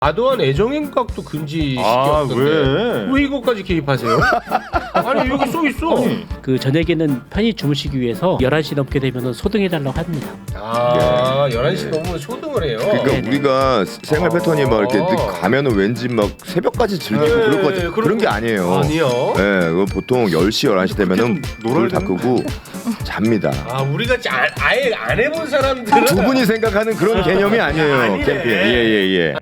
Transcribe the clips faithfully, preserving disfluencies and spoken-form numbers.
과도한 애정행각도 금지 아, 시켰던데 왜? 왜 이거까지 개입하세요? 아니 여기 써 있어. 아니. 그 저녁에는 편히 주무시기 위해서 열한 시 넘게 되면 소등해달라고 합니다. 아 열한 시 넘으면 소등을 해요. 그러니까 네네. 우리가 생활 패턴이 막 이렇게 아. 늦 가면은 왠지 막 새벽까지 즐기고 네, 그럴 것 같아. 그런 그런 게 아니에요. 아니요. 예, 그거 보통 열 시, 열한 시 되면은 놀아야 불 다 끄고 잡니다. 아 우리가 아, 아예 안 해본 사람들은 두 분이 생각하는 그런 개념이 아니에요. 아니네. 캠핑. 예예예. 예, 예.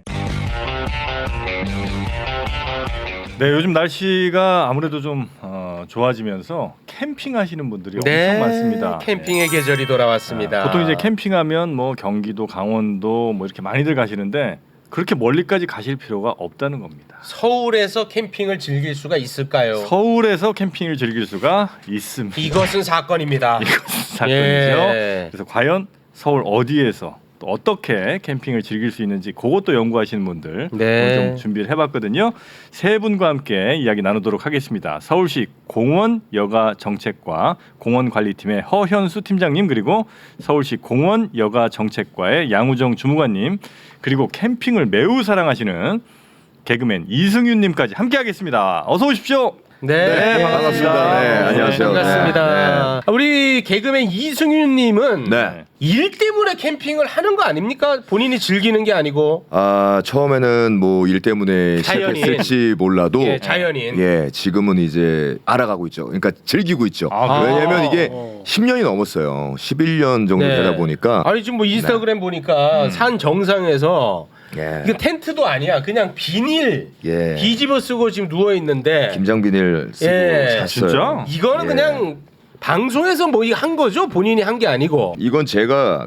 네, 요즘 날씨가 아무래도 좀 어, 좋아지면서 캠핑하시는 분들이 네, 엄청 많습니다. 캠핑의 계절이 돌아왔습니다. 아, 보통 이제 캠핑하면 뭐 경기도, 강원도 뭐 이렇게 많이들 가시는데 그렇게 멀리까지 가실 필요가 없다는 겁니다. 서울에서 캠핑을 즐길 수가 있을까요? 서울에서 캠핑을 즐길 수가 있습니다. 이것은 사건입니다. 이것은 사건이죠. 예. 그래서 과연 서울 어디에서 또 어떻게 캠핑을 즐길 수 있는지 그것도 연구하시는 분들 네. 오늘 좀 준비를 해봤거든요. 세 분과 함께 이야기 나누도록 하겠습니다. 서울시 공원 여가 정책과 공원관리팀의 허현수 팀장님, 그리고 서울시 공원 여가 정책과의 양우정 주무관님, 그리고 캠핑을 매우 사랑하시는 개그맨 이승윤님까지 함께하겠습니다. 어서 오십시오. 네, 네, 반갑습니다. 네, 안녕하세요. 반갑습니다. 네, 우리 개그맨 이승윤님은 네. 일 때문에 캠핑을 하는 거 아닙니까? 본인이 즐기는 게 아니고. 아 처음에는 뭐 일 때문에 자연인. 시작했을지 몰라도 예, 자연인. 예 지금은 이제 알아가고 있죠. 그러니까 즐기고 있죠. 아, 왜냐면 이게 어. 십 년이 넘었어요. 십일 년 정도 네. 되다 보니까 아니 지금 뭐 인스타그램 보니까 산 정상에서 예. 이거 텐트도 아니야. 그냥 비닐 예. 뒤집어 쓰고 지금 누워 있는데 김장비닐 쓰고 예. 잤어요. 진짜? 이거는 예. 그냥 방송에서 뭐 한 거죠? 본인이 한 게 아니고. 이건 제가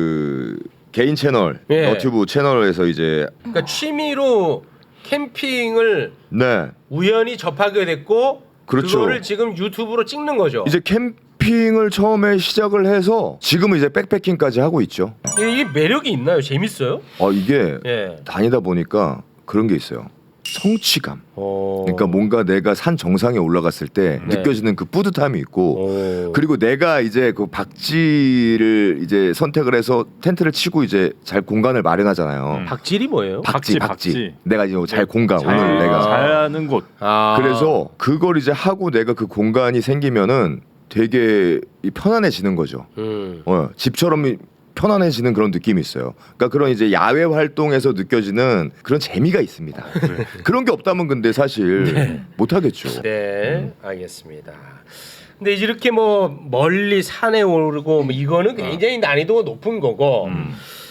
그 개인 채널 예. 너튜브 채널에서 이제 그러니까 취미로 캠핑을 네 우연히 접하게 됐고 그렇죠. 그거를 지금 유튜브로 찍는 거죠. 이제 캠핑을 처음에 시작을 해서 지금은 이제 백패킹까지 하고 있죠. 이게 매력이 있나요? 재밌어요? 어 이게 예. 다니다 보니까 그런 게 있어요. 성취감. 어... 그러니까 뭔가 내가 산 정상에 올라갔을 때 네. 느껴지는 그 뿌듯함이 있고 오. 그리고 내가 이제 그 박지를 이제 선택을 해서 텐트를 치고 이제 잘 공간을 마련하잖아요. 음. 박질이 뭐예요? 박지, 박지, 박지. 박지. 내가 이제 잘 공간 잘, 오늘 내가 잘하는 곳. 아. 그래서 그걸 이제 하고 내가 그 공간이 생기면은 되게 이 편안해지는 거죠. 음. 어, 집처럼 편안해지는 그런 느낌이 있어요. 그러니까 그런 이제 야외 활동에서 느껴지는 그런 재미가 있습니다. 그런 게 없다면 근데 사실 못 하겠죠. 네, 알겠습니다. 근데 이렇게 뭐 멀리 산에 오르고 뭐 이거는 굉장히 난이도가 높은 거고 음.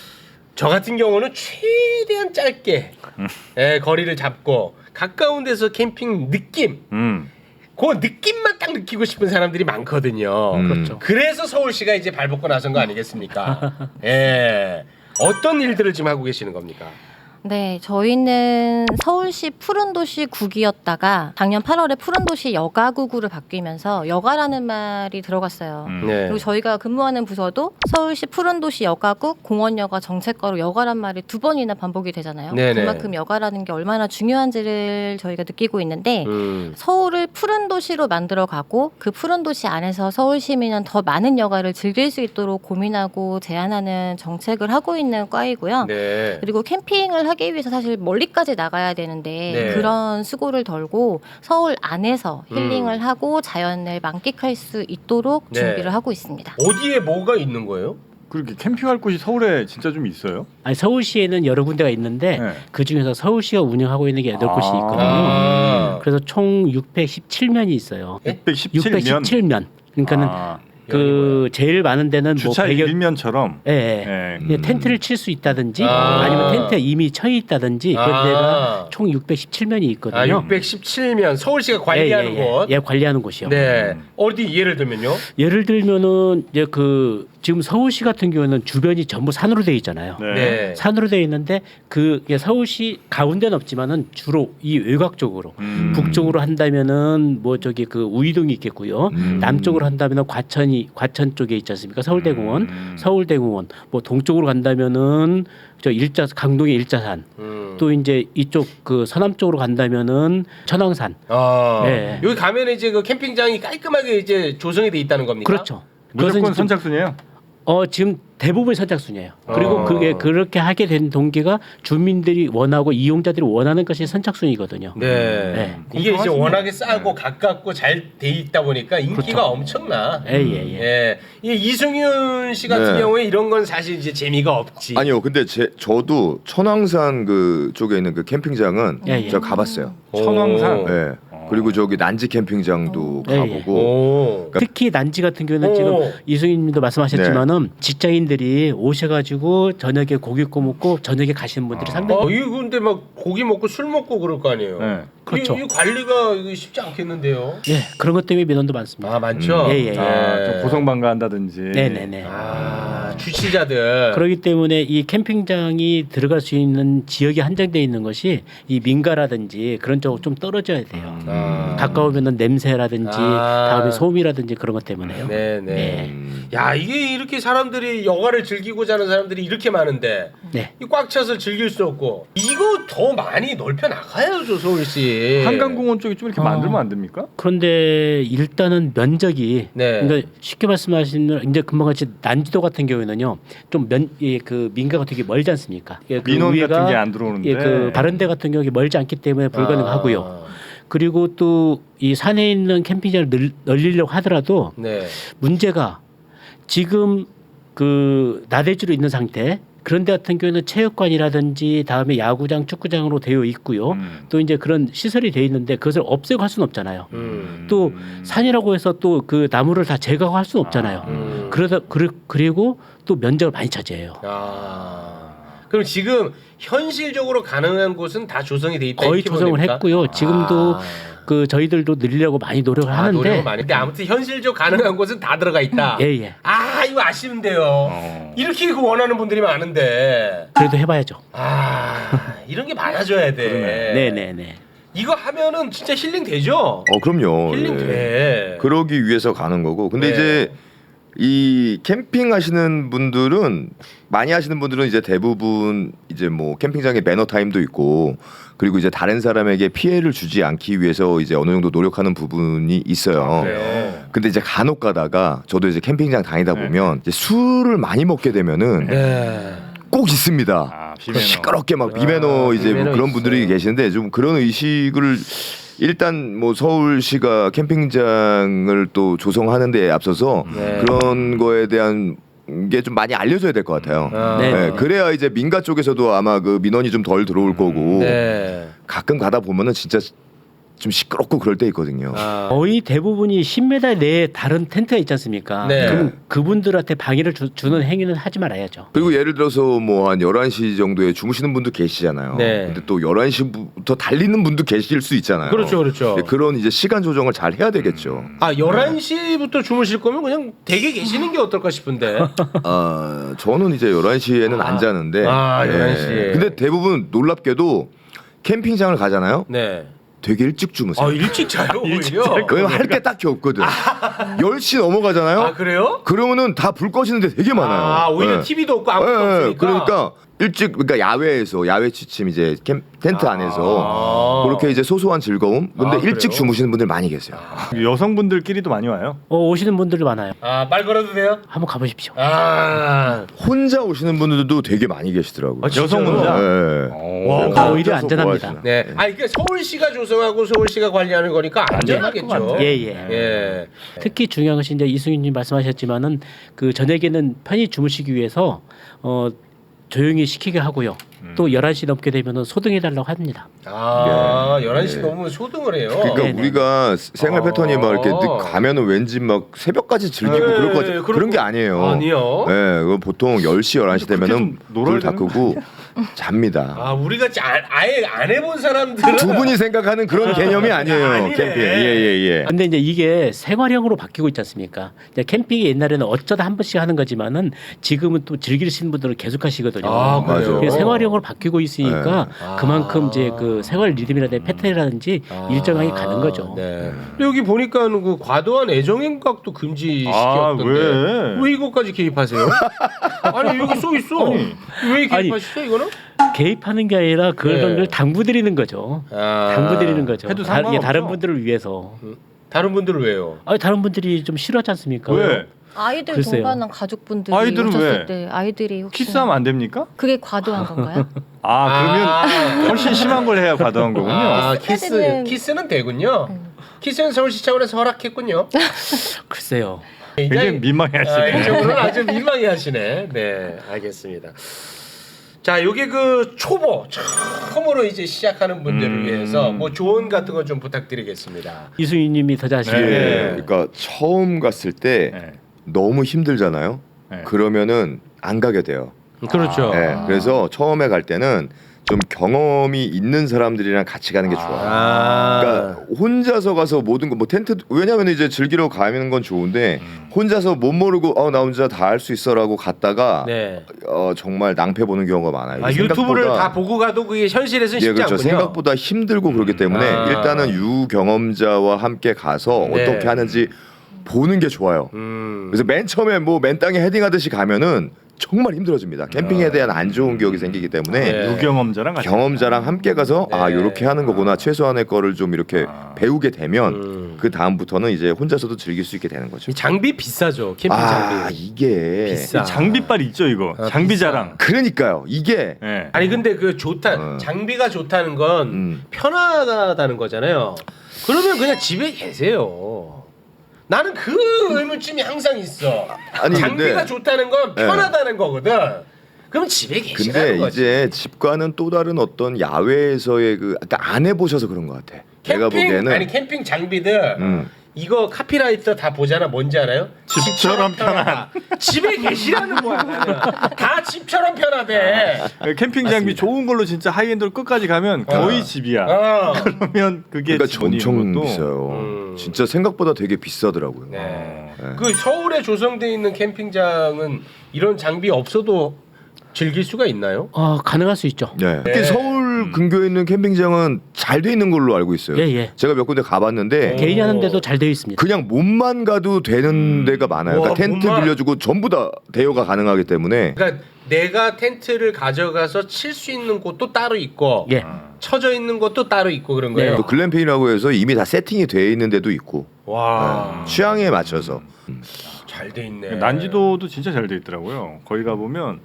저 같은 경우는 최대한 짧게 예, 거리를 잡고 가까운 데서 캠핑 느낌 음. 그 느낌만 딱 느끼고 싶은 사람들이 많거든요. 음. 그렇죠. 그래서 서울시가 이제 발벗고 나선 거 아니겠습니까? 예. 어떤 일들을 지금 하고 계시는 겁니까? 네, 저희는 서울시 푸른도시 국이었다가 작년 팔월에 푸른도시 여가구구로 바뀌면서 여가라는 말이 들어갔어요. 음. 네. 그리고 저희가 근무하는 부서도 서울시 푸른도시 여가국 공원여가 정책과로 여가란 말이 두 번이나 반복이 되잖아요. 네네. 그만큼 여가라는 게 얼마나 중요한지를 저희가 느끼고 있는데 음. 서울을 푸른 도시로 만들어가고 그 푸른 도시 안에서 서울 시민은 더 많은 여가를 즐길 수 있도록 고민하고 제안하는 정책을 하고 있는 과이고요. 네. 그리고 캠핑을 하기 위해서 사실 멀리까지 나가야 되는데 네. 그런 수고를 덜고 서울 안에서 힐링을 음. 하고 자연을 만끽할 수 있도록 네. 준비를 하고 있습니다. 어디에 뭐가 있는 거예요? 그렇게 캠핑할 곳이 서울에 진짜 좀 있어요? 아니 서울시에는 여러 군데가 있는데 네. 그 중에서 서울시가 운영하고 있는 게 여덟 아. 곳이 있거든요. 아. 그래서 총 육백십칠 면이 있어요. 예? 육백십칠 면. 육백십칠 면. 그러니까는 아, 그 제일 많은 데는 주차 뭐 백여 일면처럼. 예, 예. 예. 그냥 텐트를 칠 수 있다든지 아. 아니면 텐트에 이미 처해 있다든지 그런 아. 데가 총 육백십칠 면이 있거든요. 아, 육백십칠 면 서울시가 관리하는 예, 예, 예. 곳. 예, 관리하는 곳이요. 네. 음. 어디 예를 들면요? 예를 들면은 이제 그 지금 서울시 같은 경우는 주변이 전부 산으로 돼 있잖아요. 네. 네. 산으로 돼 있는데 그 서울시 가운데는 없지만은 주로 이 외곽 쪽으로 음. 북쪽으로 한다면은 뭐 저기 그 우이동이 있겠고요. 음. 남쪽으로 한다면은 과천이 과천 쪽에 있지 않습니까? 서울대공원, 음. 서울대공원. 뭐 동쪽으로 간다면은 저 일자 강동의 일자산. 음. 또 이제 이쪽 그 서남 쪽으로 간다면은 천왕산. 아. 네. 여기 가면 이제 그 캠핑장이 깔끔하게 이제 조성이 돼 있다는 겁니까? 그렇죠. 무조건 그것은 좀- 선착순이에요. 어 지금 대부분 선착순이에요. 그리고 어. 그게 그렇게 하게 된 동기가 주민들이 원하고 이용자들이 원하는 것이 선착순이거든요. 네. 네. 이게 이제 공평하시네. 워낙에 싸고 가깝고 잘 돼 있다 보니까 인기가 그렇죠. 엄청나. 예예예. 예, 예. 이 이승윤 씨 같은 네. 경우에 이런 건 사실 이제 재미가 없지. 아니요, 근데 제 저도 천왕산 그 쪽에 있는 그 캠핑장은 예, 예. 제가 가봤어요. 천왕산. 오. 예. 그리고 저기 난지 캠핑장도 예, 예. 가보고. 오. 특히 난지 같은 경우는 오. 지금 이승윤님도 말씀하셨지만은 직장인들이 오셔가지고 저녁에 고기 구워 먹고 저녁에 가시는 분들이 상당히 어, 이거 근데 막 고기 먹고 술 먹고 그럴 거 아니에요. 네. 그렇죠. 이, 이 관리가 이거 쉽지 않겠는데요. 예 그런 것 때문에 민원도 많습니다. 아 많죠. 음. 예, 예, 예. 아, 좀 고성방가한다든지. 네네네. 아 주치자들. 그렇기 때문에 이 캠핑장이 들어갈 수 있는 지역이 한정되어 있는 것이 이 민가라든지 그런 쪽으로 좀 떨어져야 돼요. 아. 가까우면은 냄새라든지 아. 다음에 소음이라든지 그런 것 때문에요. 네네. 네. 음. 야 이게 이렇게 사람들이 여가를 즐기고자 하는 사람들이 이렇게 많은데 네. 이 꽉 차서 즐길 수 없고 이거 더 많이 넓혀 나가야죠 서울시. 한강공원 쪽에 좀 이렇게 어. 만들면 안 됩니까? 그런데 일단은 면적이 네. 그러니까 쉽게 말씀하시면 이제 금방 같이 난지도 같은 경우에는요 좀 면 그 민가가 되게 멀지 않습니까? 예, 그 민원 위에가 같은 게 안 들어오는데. 예, 그 바른데 같은 경우에 멀지 않기 때문에 불가능하고요. 아, 그리고 또 이 산에 있는 캠핑장을 늘, 늘리려고 하더라도 네. 문제가 지금 그 나대주로 있는 상태. 그런데 같은 경우에는 체육관이라든지 다음에 야구장, 축구장으로 되어 있고요. 음. 또 이제 그런 시설이 되어 있는데 그것을 없애고 할 수는 없잖아요. 음. 또 산이라고 해서 또 그 나무를 다 제거할 수는 없잖아요. 음. 그러다 그리, 그리고 또 면적을 많이 차지해요. 아. 그럼 지금 현실적으로 가능한 곳은 다 조성이 돼 있다. 거의 이렇게 조성을 보면 됩니까? 했고요. 지금도 아. 그 저희들도 늘리려고 많이 노력을 아, 하는데 노력은 많이. 근데 아무튼 현실적 가능한 곳은 다 들어가 있다. 예, 예. 아 이거 아쉬운데요. 어. 이렇게 그 원하는 분들이 많은데. 그래도 해봐야죠. 아 이런 게 많아져야 돼. 네, 네, 네. 이거 하면은 진짜 힐링 되죠. 어, 그럼요. 힐링 예. 돼. 그러기 위해서 가는 거고. 근데 네. 이제 이 캠핑 하시는 분들은 많이 하시는 분들은 이제 대부분 이제 뭐 캠핑장에 매너 타임도 있고 그리고 이제 다른 사람에게 피해를 주지 않기 위해서 이제 어느 정도 노력하는 부분이 있어요. 그래요. 근데 이제 간혹 가다가 저도 이제 캠핑장 다니다 보면 이제 술을 많이 먹게 되면은 네. 꼭 있습니다. 아, 비매너. 시끄럽게 막 비매너 아, 이제 뭐 비매너 그런 있어요. 분들이 계시는데 좀 그런 의식을 일단 뭐 서울시가 캠핑장을 또 조성하는 데 앞서서 네. 그런 거에 대한 게 좀 많이 알려져야 될 것 같아요. 아. 네. 네, 그래야 이제 민가 쪽에서도 아마 그 민원이 좀 덜 들어올 거고 네. 가끔 가다 보면은 진짜 좀 시끄럽고 그럴 때 있거든요. 아. 거의 대부분이 십 미터 내에 다른 텐트가 있지 않습니까? 네. 그럼 그분들한테 방해를 주, 주는 행위는 하지 말아야죠. 그리고 예를 들어서 뭐 한 열한 시 정도에 주무시는 분도 계시잖아요. 네. 근데 또 열한 시부터 달리는 분도 계실 수 있잖아요. 그렇죠, 그렇죠. 네, 그런 이제 시간 조정을 잘 해야 되겠죠. 아 열한 시부터 주무실 거면 그냥 댁에 계시는 게 어떨까 싶은데. 아, 저는 이제 열한 시에는 아. 안 자는데. 네. 아, 열한 시에. 근데 대부분 놀랍게도 캠핑장을 가잖아요. 네. 되게 일찍 주무세요. 아 일찍 자요 오히려. 왜냐면 할 게 딱히 없거든. 열 시 넘어가잖아요. 아 그래요? 그러면은 다 불 꺼지는데 되게 많아요. 아 오히려 네. 티비도 없고 아무것도 네, 없으니까. 그러니까 일찍 그러니까 야외에서 야외 취침 이제 캠, 텐트 아. 안에서 그렇게 이제 소소한 즐거움. 근데 아, 일찍 그래요? 주무시는 분들 많이 계세요. 여성분들끼리도 많이 와요. 어, 오시는 분들이 많아요. 아말 걸어도 돼요? 한번 가보십시오. 아. 혼자 오시는 분들도 되게 많이 계시더라고요. 아, 진짜요? 여성 혼자. 네. 어. 와, 혼자서 오히려 뭐 안전합니다. 하시나. 네. 아 이게 서울시가 조성하고 서울시가 관리하는 거니까 안전하겠죠. 예, 예. 예. 특히 중요한 것이 이제 이승윤님 말씀하셨지만은 그 저녁에는 편히 주무시기 위해서 어 조용히 시키게 하고요. 또 열한 시 넘게 되면은 소등해 달라고 합니다. 아 예. 열한 시 예. 넘으면 소등을 해요. 그러니까 네네. 우리가 생활 아. 패턴이 막 이렇게 늦 가면은 왠지 막 새벽까지 즐기고 네, 그럴 거 그런 그런 게 거- 아니에요. 아니요. 네, 그거 보통 열 시 열한 시 그렇게 되면은 좀 놀아야 불 다 되는 끄고 잡니다. 아 우리가 짜- 아예 안 해본 사람들은 두 분이 생각하는 그런 개념이 아니에요. 아니네. 캠핑. 예예 예. 근데 이제 이게 생활형으로 바뀌고 있지 않습니까? 이제 캠핑이 옛날에는 어쩌다 한 번씩 하는 거지만은 지금은 또 즐기시는 분들은 계속 하시거든요. 아, 그래요? 그게 생활형으로 바뀌고 있으니까 네. 그만큼 아. 이제 그 생활 리듬이라든지 패턴이라든지 아, 일정하게 가는 거죠. 네. 근데 여기 보니까는 그 과도한 애정행각도 금지시켰던데 아, 왜? 왜 이거까지 개입하세요? 아니 여기 써 있어. 왜 개입하시죠 이거는? 개입하는 게 아니라 그런 네. 걸 당부드리는 거죠. 아, 당부드리는 거죠. 해도 다, 이게 다른 상관없죠. 분들을 위해서. 다른 분들은 왜요? 아니 다른 분들이 좀 싫어하지 않습니까? 왜? 아이들 글쎄요. 동반한 가족분들이 아이들은 오셨을 왜? 때 아이들이 혹시 키스하면 안 됩니까? 그게 과도한 건가요? 아 그러면 아. 훨씬 심한 걸 해야 과도한 거군요. 아, 키스 키스는- 키스는 되군요. 키스는 서울시 차원에서 허락했군요. 글쎄요. 굉장히 아, 민망해하시네. 이쪽으로는 아주 민망해하시네. 네, 알겠습니다. 자, 여기 그 초보 처음으로 이제 시작하는 분들을 음. 위해서 뭐 조언 같은 거 좀 부탁드리겠습니다. 이수희님이 더 자신. 네. 예, 그러니까 처음 갔을 때 네. 너무 힘들잖아요. 네. 그러면은 안 가게 돼요. 그렇죠. 예, 그래서 처음에 갈 때는 좀 경험이 있는 사람들이랑 같이 가는 게 좋아요. 아, 그러니까 혼자서 가서 모든 거 뭐 텐트 왜냐면 이제 즐기러 가는 건 좋은데 음. 혼자서 못 모르고 어 나 혼자 다 할 수 있어라고 갔다가 네. 어 정말 낭패 보는 경우가 많아요. 아, 이게 유튜브를 생각보다- 다 보고 가도 그게 현실에서는 예, 쉽지 그렇죠. 않군요. 생각보다 힘들고 그렇기 때문에 아. 일단은 유경험자와 함께 가서 네. 어떻게 하는지 보는 게 좋아요. 음. 그래서 맨 처음에 뭐 맨 땅에 헤딩하듯이 가면은 정말 힘들어집니다. 캠핑에 대한 안 좋은 기억이 생기기 때문에 네. 유경험자랑 같이 경험자랑 함께 가서 아 네. 이렇게 하는 거구나 최소한의 거를 좀 이렇게 아. 배우게 되면 음. 그 다음부터는 이제 혼자서도 즐길 수 있게 되는 거죠. 이 장비 비싸죠. 캠핑 아 장비. 이게 비싸. 장비빨 있죠 이거. 아, 장비자랑. 그러니까요. 이게 예. 아니 근데 그 좋다 어. 장비가 좋다는 건 음. 편하다는 거잖아요. 그러면 그냥 집에 계세요. 나는 그 의문점이 항상 있어. 아니, 장비가 근데- 좋다는 건 네. 편하다는 거거든. 그럼 집에 계시라는 근데 거지. 이제 집과는 또 다른 어떤 야외에서의 그 아까 안 해보셔서 그런 것 같아. 내가 캠핑 보기에는 아니 캠핑 장비들 음. 이거 카피라이터 다 보잖아. 뭔지 알아요? 집처럼 편하다. 집에 계시라는 거야. 나는. 다 집처럼 편하대. 캠핑 장비 좋은 걸로 진짜 하이엔드로 끝까지 가면 거의 어. 집이야. 어. 그러면 그게 그러니까 지분이 엄청 있는 것도 비싸요. 음. 진짜 생각보다 되게 비싸더라고요. 네. 네. 그 서울에 조성돼 있는 캠핑장은 이런 장비 없어도 즐길 수가 있나요? 어, 가능할 수 있죠. 네. 특히 서울 근교에 있는 캠핑장은 잘 돼 있는 걸로 알고 있어요. 예, 예. 제가 몇 군데 가봤는데 오. 개인이 하는데도 잘 되어 있습니다. 그냥 몸만 가도 되는 데가 많아요. 와, 그러니까 텐트 몸만? 빌려주고 전부 다 대여가 가능하기 때문에 그러니까 내가 텐트를 가져가서 칠 수 있는 곳도 따로 있고 예. 쳐져 있는 곳도 따로 있고 그런 거예요. 네. 또 글램핑이라고 해서 이미 다 세팅이 돼 있는 데도 있고 와, 네. 취향에 맞춰서 잘 돼 있네. 난지도도 진짜 잘 돼 있더라고요. 거기 가 보면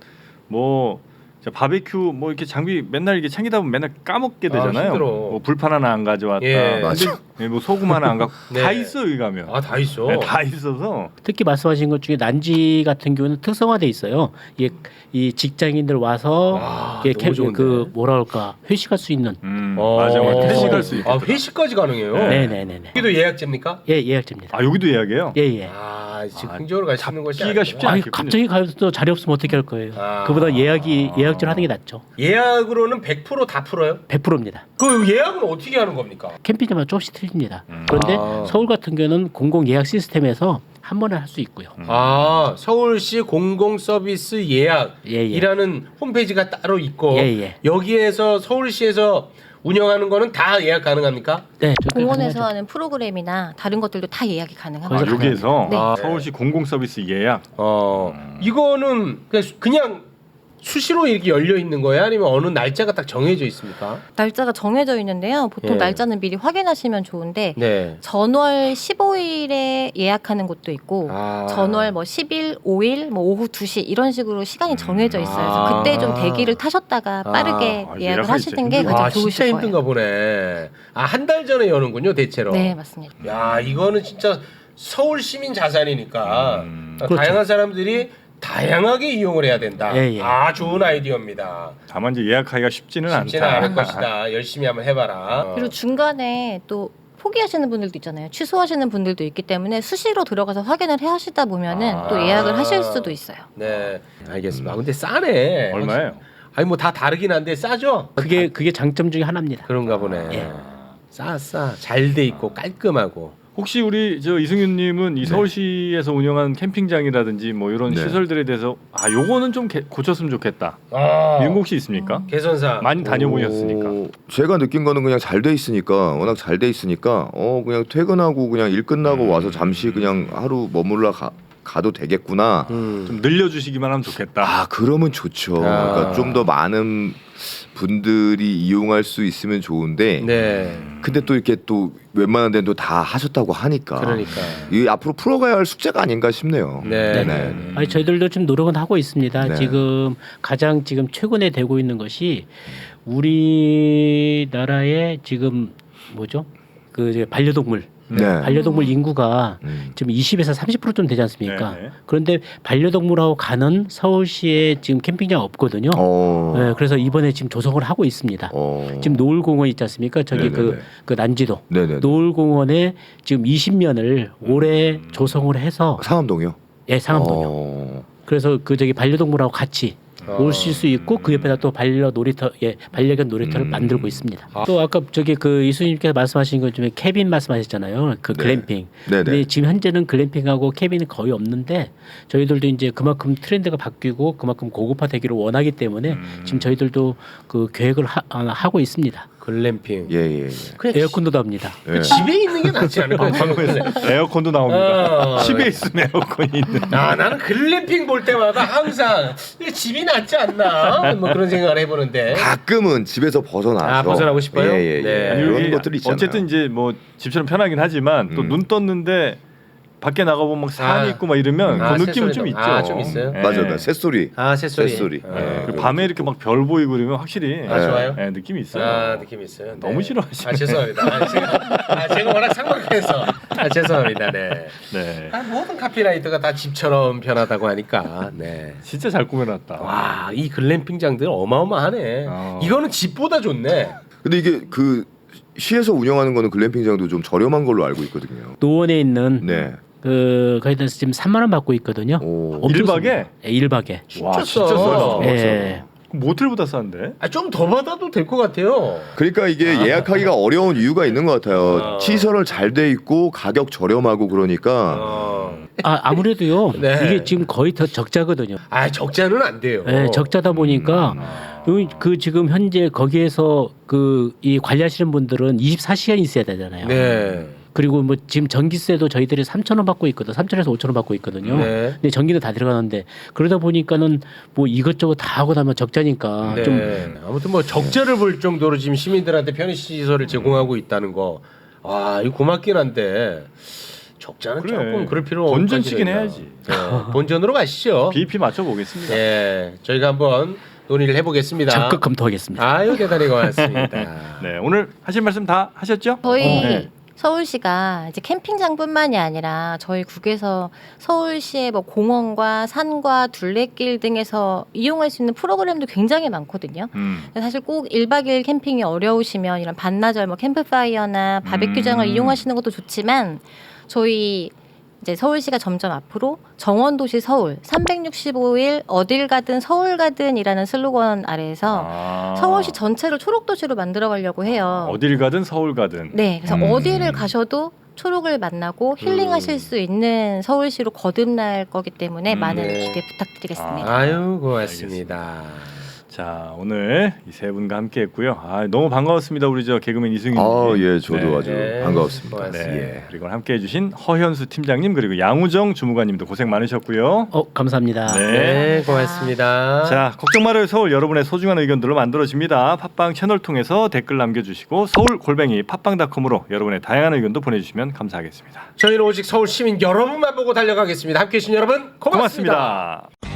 뭐 자, 바베큐 뭐 이렇게 장비 맨날 이렇게 챙기다 보면 맨날 까먹게 아, 되잖아요. 힘들어. 뭐 불판 하나 안 가져왔다. 예. 맞아. 근데 뭐 소금 하나 안 갖고 네. 다 있어 여기 가면. 아, 다 있어. 네, 다 있어서 특히 말씀하신 것 중에 난지 같은 경우는 특성화돼 있어요. 이, 이 직장인들 와서 아, 이게 너무 캠, 좋은데. 그 뭐라 할까 회식할 수 있는. 음, 어. 맞아 맞아. 네, 회식할 수 있고. 아, 회식까지 가능해요. 네. 네네네네. 여기도 예약제입니까? 예 예약제입니다. 아 여기도 예약해요? 예예. 아, 지금 아, 흥정으로 갈 수 있는 것이 잡기가 아니구나. 쉽지 아니 않겠군요. 갑자기 가서 자리 없으면 어떻게 할 거예요? 아. 그보다 예약이 예약제를 하는 게 낫죠. 예약으로는 백 퍼센트 다 풀어요? 백 퍼센트입니다. 그 예약은 어떻게 하는 겁니까? 캠핑장마다 조금씩 틀립니다. 음. 그런데 아. 서울 같은 경우는 공공 예약 시스템에서 한 번에 할 수 있고요. 아, 서울시 공공 서비스 예약이라는 예, 예. 홈페이지가 따로 있고 예, 예. 여기에서 서울시에서 운영하는 거는 다 예약 가능합니까? 네, 저렇게 공원에서 가능하죠. 하는 프로그램이나 다른 것들도 다 예약이 아, 가능합니다. 거기서 여기에서 네. 아. 서울시 공공 서비스 예약. 어, 음. 이거는 그냥, 수- 그냥 수시로 이렇게 열려 있는 거야? 아니면 어느 날짜가 딱 정해져 있습니까? 날짜가 정해져 있는데요. 보통 예. 날짜는 미리 확인하시면 좋은데 네. 전월 십오 일에 예약하는 곳도 있고 아. 전월 뭐 십 일, 오 일, 뭐 오후 두 시 이런 식으로 시간이 정해져 있어요. 그래서 아. 그때 좀 대기를 타셨다가 빠르게 아, 예약을 예약하기 하시는 게 진짜 가장 아, 좋으실 진짜 거예요. 힘든가 보네. 아, 한 달 전에 여는군요, 대체로. 네, 맞습니다. 야, 이거는 진짜 서울 시민 자산이니까 음. 어, 그렇죠. 다양한 사람들이 다양하게 이용을 해야 된다. 예, 예. 아, 좋은 아이디어입니다. 다만 이제 예약하기가 쉽지는 쉽지는 않다. 않을 것이다. 열심히 한번 해봐라. 어. 그리고 중간에 또 포기하시는 분들도 있잖아요. 취소하시는 분들도 있기 때문에 수시로 들어가서 확인을 해 하시다 보면은 아. 또 예약을 하실 수도 있어요. 네, 알겠습니다. 아, 근데 싸네. 얼마예요? 아니 뭐 다 다르긴 한데 싸죠? 그게 그게 장점 중에 하나입니다. 그런가 보네. 예. 싸, 싸. 잘 돼 있고 깔끔하고. 혹시 우리 저 이승윤님은 이 서울시에서 운영한 캠핑장이라든지 뭐 이런 네. 시설들에 대해서 아 요거는 좀 개, 고쳤으면 좋겠다 아, 이런 거 혹시 있습니까? 개선사. 많이 다녀보셨으니까. 어, 제가 느낀 거는 그냥 잘 돼 있으니까 워낙 잘 돼 있으니까 어 그냥 퇴근하고 그냥 일 끝나고 음. 와서 잠시 그냥 하루 머물러 가, 가도 되겠구나. 음. 좀 늘려주시기만 하면 좋겠다. 아 그러면 좋죠. 아. 그러니까 좀 더 많은 분들이 이용할 수 있으면 좋은데 네. 근데 또 이렇게 또 웬만한 데는 다 하셨다고 하니까 그러니까. 이 앞으로 풀어가야 할 숙제가 아닌가 싶네요. 네. 네. 아니 저희들도 좀 노력은 하고 있습니다. 네. 지금 가장 지금 최근에 되고 있는 것이 우리나라의 지금 뭐죠? 그 이제 반려동물 네. 반려동물 인구가 음. 지금 이십에서 삼십 퍼센트 좀 되지 않습니까? 네, 네. 그런데 반려동물하고 가는 서울시에 지금 캠핑장 없거든요. 어. 네, 그래서 이번에 지금 조성을 하고 있습니다. 어. 지금 노을공원 있지 않습니까? 저기 네네네. 그, 그 난지도 네네. 노을공원에 지금 이십 년을 올해 조성을 해서 상암동이요? 예 상암동요. 어. 그래서 그 저기 반려동물하고 같이 어. 오실 수 있고 그 옆에다 또 반려 놀이터 예 반려견 놀이터를 음. 만들고 있습니다. 아. 또 아까 저기 그 이수님께서 말씀하신 것 중에 캐빈 말씀하셨잖아요. 그 네. 글램핑. 네네. 근데 지금 현재는 글램핑하고 캐빈은 거의 없는데 저희들도 이제 그만큼 트렌드가 바뀌고 그만큼 고급화되기를 원하기 때문에 음. 지금 저희들도 그 계획을 하, 아, 하고 있습니다. 글램핑. 예, 예, 예. 그냥 에어컨도 답니다. 예. 그 집에 있는 게 낫지 않을까요? 에어컨도 나옵니다. 어. 집에 있으면 에어컨이 있는. 아 나는 글램핑 볼 때마다 항상 이게 집이 낫지 않나 뭐 그런 생각을 해보는데. 가끔은 집에서 벗어나서 아, 벗어나고 싶어요? 예, 예, 예. 네. 아니, 그런 여기 것들이 있잖아요. 어쨌든 이제 뭐 집처럼 편하긴 하지만 또 음. 눈 떴는데 밖에 나가보면 막 산이 아. 있고 막 이러면 아, 그 느낌은 새소리도- 좀 있죠. 아, 좀 있어요? 예. 맞아요, 맞아요. 새소리. 아 새소리. 새소리. 어. 예. 그리고 밤에 이렇게 막 별 보이고 그러면 확실히 아 좋아요. 예, 느낌이 있어요. 아 느낌 있어요. 너무 싫어하시네. 아 죄송합니다. 아, 제가, 아, 제가 워낙 상막해서 아 죄송합니다. 네. 네. 아, 모든 카피라이터가 다 집처럼 편하다고 하니까. 네. 진짜 잘 꾸며놨다. 와, 이 글램핑장들 어마어마하네. 어. 이거는 집보다 좋네. 근데 이게 그 시에서 운영하는 거는 글램핑장도 좀 저렴한 걸로 알고 있거든요. 노원에 있는 네. 그 거기다 지금 삼만 원 받고 있거든요. 오. 엄청 일박에? 쌉니다. 예, 일박에. 와 진짜 진짜 싸. 싸다. 예. 모텔보다 싼데? 아, 좀 더 받아도 될 것 같아요. 그러니까 이게 예약하기가 어려운 이유가 있는 것 같아요. 어. 시설을 잘 돼 있고 가격 저렴하고 그러니까 어. 아 아무래도요. 네. 이게 지금 거의 더 적자거든요. 아, 적자는 안 돼요. 예, 적자다 보니까 요- 그 지금 현재 거기에서 그 이 관리하시는 분들은 이십사 시간 있어야 되잖아요. 네. 그리고 뭐 지금 전기세도 저희들이 삼천 원 받고 있거든. 삼천에서 오천 원 받고 있거든요. 네. 근데 전기도 다 들어가는데 그러다 보니까는 뭐 이것저것 다 하고 나면 적자니까 네. 좀 아무튼 뭐 적자를 볼 정도로 지금 시민들한테 편의 시설을 제공하고 있다는 거. 아, 이거 고맙긴 한데 적자는 그래. 조금 그럴 필요 본전치긴 없다는 해야지. 네. 본전으로 가시죠. 비이피 맞춰 보겠습니다. 예, 저희가 한번 논의를 해보겠습니다. 적극 검토하겠습니다. 아유 대단히 고맙습니다. 네 오늘 하실 말씀 다 하셨죠? 저희 어, 네. 서울시가 이제 캠핑장뿐만이 아니라 저희 국에서 서울시의 뭐 공원과 산과 둘레길 등에서 이용할 수 있는 프로그램도 굉장히 많거든요. 음. 사실 꼭 일박 이일 캠핑이 어려우시면 이런 반나절 뭐 캠프파이어나 바베큐장을 음. 이용하시는 것도 좋지만 저희 이제 서울시가 점점 앞으로 정원도시 서울 삼백육십오 일 어딜 가든 서울 가든이라는 슬로건 아래에서 아. 서울시 전체를 초록도시로 만들어 가려고 해요. 어딜 가든 서울 가든. 네, 그래서 음. 어디를 가셔도 초록을 만나고 힐링하실 수 있는 서울시로 거듭날 거기 때문에 음, 많은 네. 기대 부탁드리겠습니다. 아유 고맙습니다. 자 오늘 이 세 분과 함께했고요. 아 너무 반가웠습니다. 우리 저 개그맨 이승윤. 아, 님. 예, 저도 네. 아주 네. 반가웠습니다. 고맙습니다. 네. 예. 그리고 함께해주신 허현수 팀장님 그리고 양우정 주무관님도 고생 많으셨고요. 어 감사합니다. 네. 네, 고맙습니다. 자 걱정 말아요 서울 여러분의 소중한 의견들로 만들어집니다. 팟빵 채널 통해서 댓글 남겨주시고 서울 골뱅이 팟빵닷컴으로 여러분의 다양한 의견도 보내주시면 감사하겠습니다. 저희는 오직 서울 시민 여러분만 보고 달려가겠습니다. 함께해 주신 여러분 고맙습니다. 고맙습니다.